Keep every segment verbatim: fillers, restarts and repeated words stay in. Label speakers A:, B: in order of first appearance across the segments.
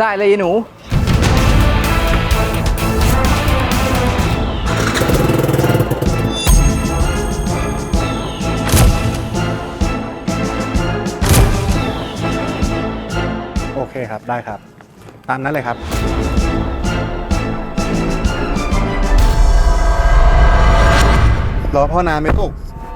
A: ได้เลยยายหนู
B: โอเคครับได้ครับตามนั้นเลยครับรอพ่อนานไหมลูก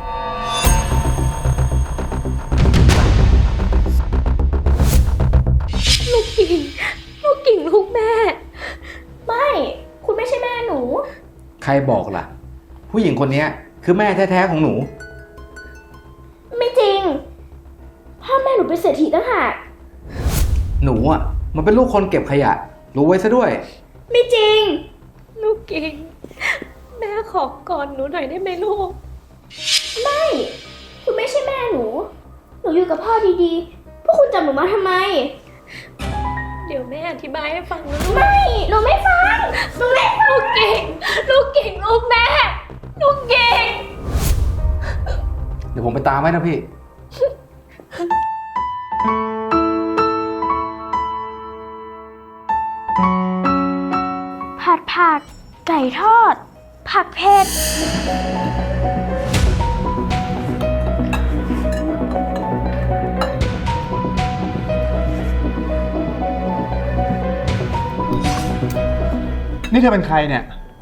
C: ลูกกิ่งลูกกิ่งลูกแม่ไม่คุณไม่ใช่แม่หนู
A: ใครบอกล่ะผู้หญิงคนนี้คือแม่แท้ๆของหนู
C: ไม่จริงพ่อแม่หนูเป็นเศรษฐีต่างหาก
A: หนูอ่ะมันเป็นลูกคนเก็บขยะรู้ไว้ซะด้วย
C: ไม่จริงลูกกิ่งแม่ขอกอดหนูหน่อยได้ไหมลูกไม่คุณไม่ใช่แม่หนูหนูอยู่กับพ่อดีๆพวกคุณจับหนูมาทำไมเดี๋ยวแม่อธิบายให้ฟังนะลูกไม่หนูไม่ฟังหนูไม่ฟังลูกกิ่งลูกกิ่งลูกแม่ลูกกิ่ง
A: เดี๋ยวผมไปตามไว้นะพี่
C: ผัดผักไก่ทอดผักเผ็ด
B: นี่เธอเป็นใครเนี่ย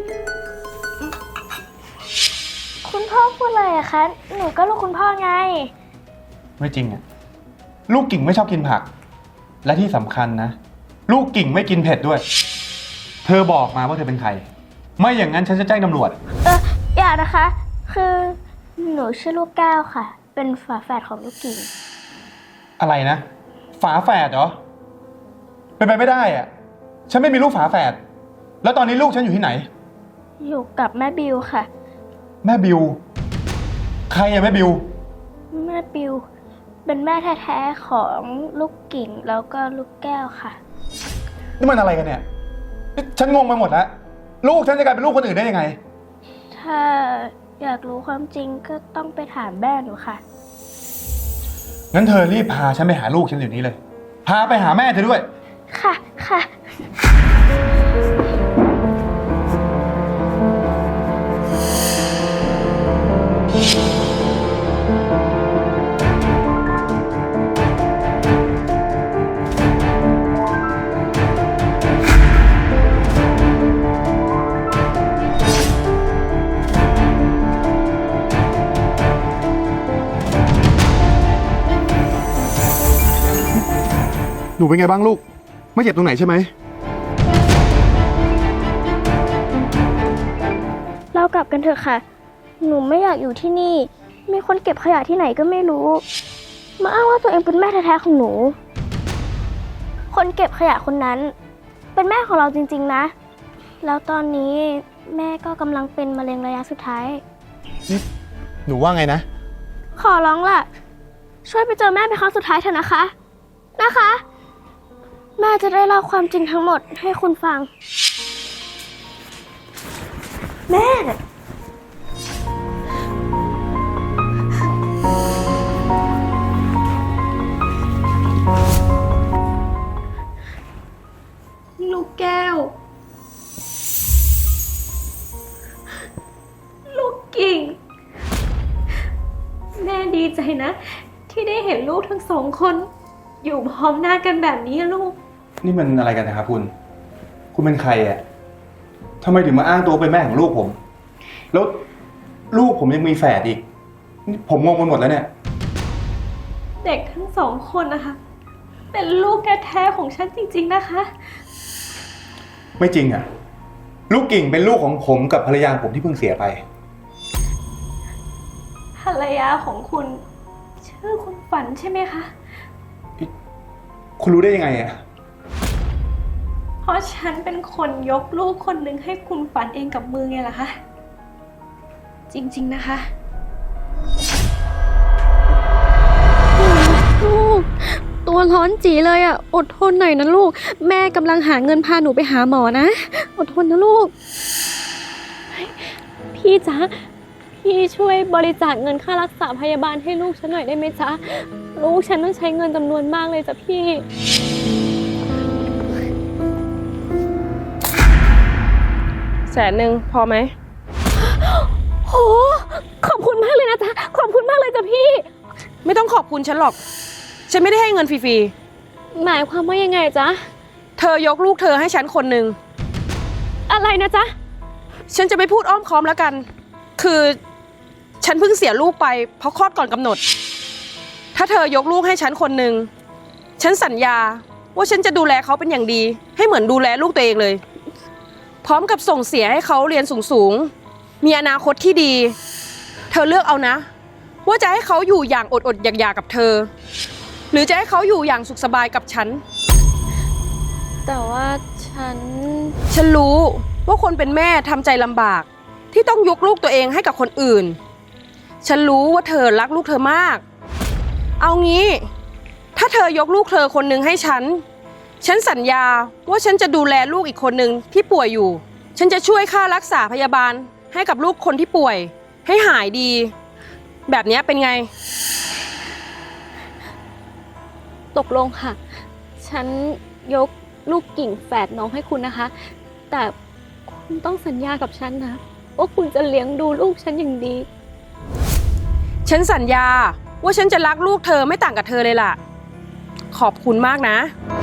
C: คุณพ่อพูดอะไรอะคะหนูก็ลูกคุณพ่อไง
B: ไม่จริงอะลูกกิ่งไม่ชอบกินผักและที่สำคัญนะลูกกิ่งไม่กินเผ็ดด้วยเธอบอกมาว่าเธอเป็นใครไม่อย่างนั้นฉันจะแจ้งตำรวจ
C: เอออย่านะคะคือหนูชื่อลูกแก้วค่ะเป็นฝาแฝดของลูกกิ่ง
B: อะไรนะฝาแฝดเหรอเป็นไปไม่ได้อะฉันไม่มีลูกฝาแฝดแล้วตอนนี้ลูกฉันอยู่ที่ไหน
C: อยู่กับแม่บิวค่ะ
B: แม่บิวใครอะแม่บิว
C: แม่บิวเป็นแม่แท้ๆของลูกกิ่งแล้วก็ลูกแก้วค่ะ
B: นี่มันอะไรกันเนี่ยฉันงงไปหมดแล้วลูกฉันจะกลายเป็นลูกคนอื่นได้ยังไง
C: ถ้าอยากรู้ความจริงก็ต้องไปถามแม่หนูค่ะ
B: งั้นเธอรีบพาฉันไปหาลูกฉันเดี๋ยวนี้เลยพาไปหาแม่เธอด้วย
C: ค่ะค่ะ
B: หนูเป็นไงบ้างลูกไม่เจ็บตรงไหนใช่ไหม
C: เรากลับกันเถอะค่ะหนูไม่อยากอยู่ที่นี่มีคนเก็บขยะที่ไหนก็ไม่รู้มาอ้างว่าตัวเองเป็นแม่แท้ๆของหนูคนเก็บขยะคนนั้นเป็นแม่ของเราจริงๆนะแล้วตอนนี้แม่ก็กำลังเป็นมะเร็งระยะสุดท้าย
B: นี่หนูว่าไงนะ
C: ขอร้องล่ะช่วยไปเจอแม่เป็นครั้งสุดท้ายเถอะนะคะนะคะแม่จะได้เล่าความจริงทั้งหมดให้คุณฟังแม่ลูกแก้วลูกกิ่งแม่ดีใจนะที่ได้เห็นลูกทั้งสองคนอยู่พร้อมหน้ากันแบบนี้ลูก
B: นี่มันอะไรกันนะครับคุณคุณเป็นใครอ่ะทำไมถึงมาอ้างตัวเป็นแม่ของลูกผมแล้วลูกผมยังมีแฝดอีกผมงงไปหมดแล้วเนี่ย
C: เด็กทั้งสองคนนะคะเป็นลูกแท้ๆของฉันจริงๆนะคะ
B: ไม่จริงอ่ะลูกกิ่งเป็นลูกของผมกับภรรยาผมที่เพิ่งเสียไป
C: ภรรยาของคุณชื่อคุณฝันใช่ไหมคะ
B: คุณรู้ได้ยังไงอ่ะ
C: เพราะฉันเป็นคนยกลูกคนหนึ่งให้คุณฝันเองกับมือไงล่ะคะจริงๆนะคะ
D: ลูกตัวร้อนจีเลยอ่ะอดทนหน่อยนะลูกแม่กำลังหาเงินพาหนูไปหาหมอนะอดทนนะลูกพี่จ๊ะพี่ช่วยบริจาคเงินค่ารักษาพยาบาลให้ลูกฉันหน่อยได้ไหมจ๊ะลูกฉันต้องใช้เงินจำนวนมากเลยจ้ะพี่
E: แสนหนึ่งพอไหม
D: โห ขอบคุณมากเลยนะจ๊ะ ขอบคุณมากเลยจ้ะพี่
E: ไม่ต้องขอบคุณฉันหรอก ฉันไม่ได้ให้เงินฟรี
D: หมายความว่ายังไงจ๊ะ
E: ๆ เธอยกลูกเธอให้ฉันคนหนึ่ง
D: อะไรนะจ๊ะ
E: ฉันจะไม่พูดอ้อมค้อมแล้วกัน คือฉันเพิ่งเสียลูกไปเพราะคลอดก่อนกำหนด ถ้าเธอยกลูกให้ฉันคนหนึ่ง ฉันสัญญาว่าฉันจะดูแลเขาเป็นอย่างดี ให้เหมือนดูแลลูกตัวเองเลย พร้อมกับส่งเสียให้เขาเรียนสูงๆ มีอนาคตที่ดี เธอเลือกเอานะ ว่าจะให้เขาอยู่อย่างอดๆอยากๆกับเธอ หรือจะให้เขาอยู่อย่างสุขสบายกับฉัน
D: แต่ว่าฉัน
E: ฉันรู้ว่าคนเป็นแม่ทำใจลำบาก ที่ต้องยกลูกตัวเองให้กับคนอื่น ฉันรู้ว่าเธอรักลูกเธอมาก เอางี้ ถ้าเธอยกลูกเธอคนหนึ่งให้ฉัน ฉันสัญญาว่าฉันจะดูแลลูกอีกคนหนึ่งที่ป่วยอยู่ ฉันจะช่วยค่ารักษาพยาบาลให้กับลูกคนที่ป่วย ให้หายดี แบบนี้เป็นไง
D: ตกลงค่ะ ฉันยกลูกกิ่งแฝดน้องให้คุณนะคะ แต่คุณต้องสัญญากับฉันนะ ว่าคุณจะเลี้ยงดูลูกฉันอย่างดี
E: ฉันสัญญาว่าฉันจะรักลูกเธอไม่ต่างกับเธอเลยล่ะ ขอบคุณมากนะ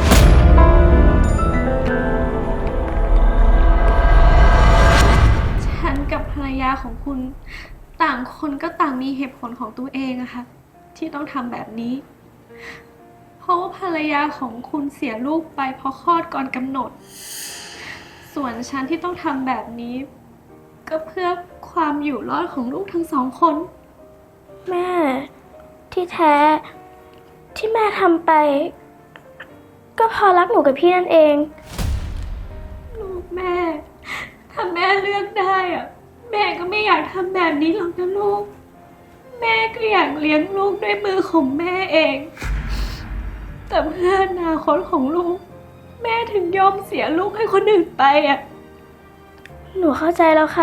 D: ฉันกับภรรยาของคุณต่างคนก็ต่างมีเหตุผลของตัวเองอะค่ะที่ต้องทำแบบนี้ เพราะว่าภรรยาของคุณเสียลูกไปเพราะคลอดก่อนกำหนด ส่วนฉันที่ต้องทำแบบนี้ ก็เพื่อความอยู่รอดของลูกทั้งสองคน
C: แม่ ที่แท้ ที่แม่ทำไป ก็เพอรักหนูกับพี่นั่นเอง
D: ลูกแม่ ถ้าแม่เลือกได้อะแม่ก็ไม่อยากทำแบบนี้หรอกนะลูก แม่ก็อยากเลี้ยงลูกด้วยมือของแม่เอง แต่เพื่ออนาคตของลูก แม่ถึงยอมเสียลูกให้คนอื่นไปอ่ะ
C: หนูเข้าใจแล้วค่ะ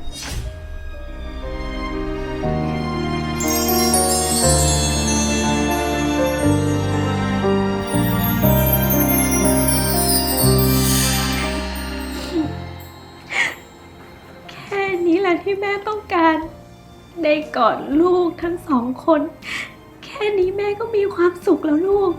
D: แค่นี้แหละที่แม่ต้องการ ได้กอดลูกทั้งสองคน แค่นี้แม่ก็มีความสุขแล้วลูก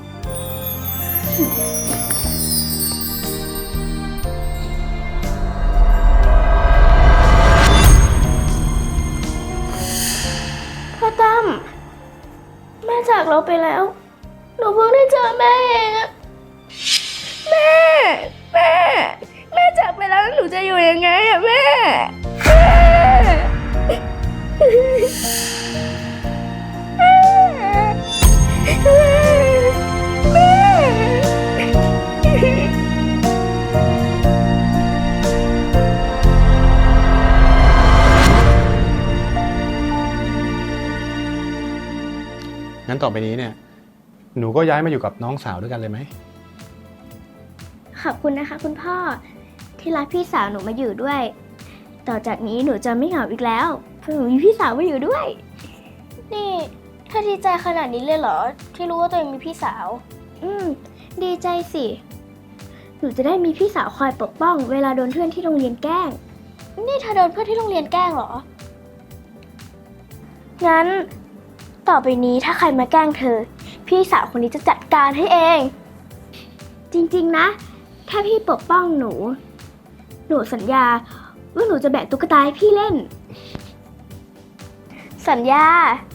C: พ่อตั้มแม่จากเราไปแล้ว หนูเพิ่งได้เจอแม่เองอะแม่ แม่ แม่จากไปแล้วหนูจะอยู่ยังไงอะแม่ แม่ แม่ แม่
B: งั้นต่อไปนี้เนี่ย หนูก็ย้ายมาอยู่กับน้องสาวด้วยกันเลยไหม
C: ขอบคุณนะคะคุณพ่อที่รับพี่สาวหนูมาอยู่ด้วย ต่อจากนี้หนูจะไม่เหงาอีกแล้วเพราะหนูมีพี่สาวมาอยู่ด้วย นี่ถ้าดีใจขนาดนี้เลยเหรอที่รู้ว่าตัวเองมีพี่สาว อืมดีใจสิ หนูจะได้มีพี่สาวคอยปกป้องเวลาโดนเพื่อนที่โรงเรียนแกล้ง นี่เธอโดนเพื่อนที่โรงเรียนแกล้งเหรอ งั้นต่อไปนี้ถ้าใครมาแกล้งเธอ พี่สาวคนนี้จะจัดการให้เอง จริงๆนะแค่พี่ปกป้องหนู หนูสัญญาว่าหนูจะแบกตุ๊กตาให้พี่เล่น สัญญา